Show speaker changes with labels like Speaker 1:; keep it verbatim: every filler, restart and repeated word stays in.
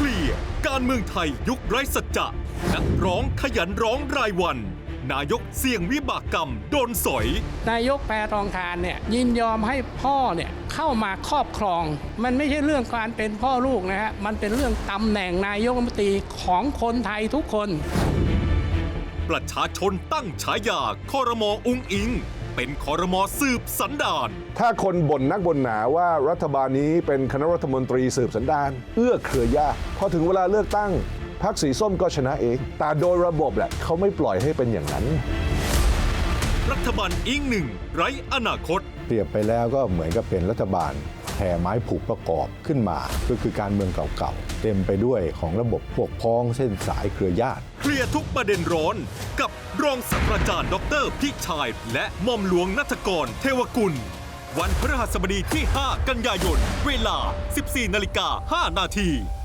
Speaker 1: เคลียร์การเมืองไทยยุคไร้สัจจะนักร้องขยันร้องรายวันนายกเสี่ยงวิบากกรรมโดนสอย
Speaker 2: นายกแพทองธารเนี่ยยินยอมให้พ่อเนี่ยเข้ามาครอบครองมันไม่ใช่เรื่องการเป็นพ่อลูกนะฮะมันเป็นเรื่องตำแหน่งนายกรัฐมนตรีของคนไทยทุกคน
Speaker 1: ประชาชนตั้งฉายาครม.อุ๊งอิงเป็นครม.สืบสันดาน
Speaker 3: ถ้าคนบ่นนักบ่นหนาว่ารัฐบาลนี้เป็นคณะรัฐมนตรีสืบสันดานเอื้อเครือญาติพอถึงเวลาเลือกตั้งพรรคสีส้มก็ชนะเองแต่โดยระบบแหละเขาไม่ปล่อยให้เป็นอย่างนั้น
Speaker 1: รัฐบาลอิงหนึ่งไร้อนาคต
Speaker 4: เปรียบไปแล้วก็เหมือนกับเป็นรัฐบาลแผ่ไม้ผูกประกอบขึ้นมาก็คือการเมืองเก่าๆเต็มไปด้วยของระบบพวกพ้องเส้นสายเครือญาติ
Speaker 1: เคลียร์ทุกประเด็นร้อนกับรองศาสตราจารย์ดร.พิชัยและหม่อมหลวงณัฐกรเทวกุลวันพฤหัสบดีที่ห้ากันยายนเวลา สิบสี่นาฬิกาห้านาที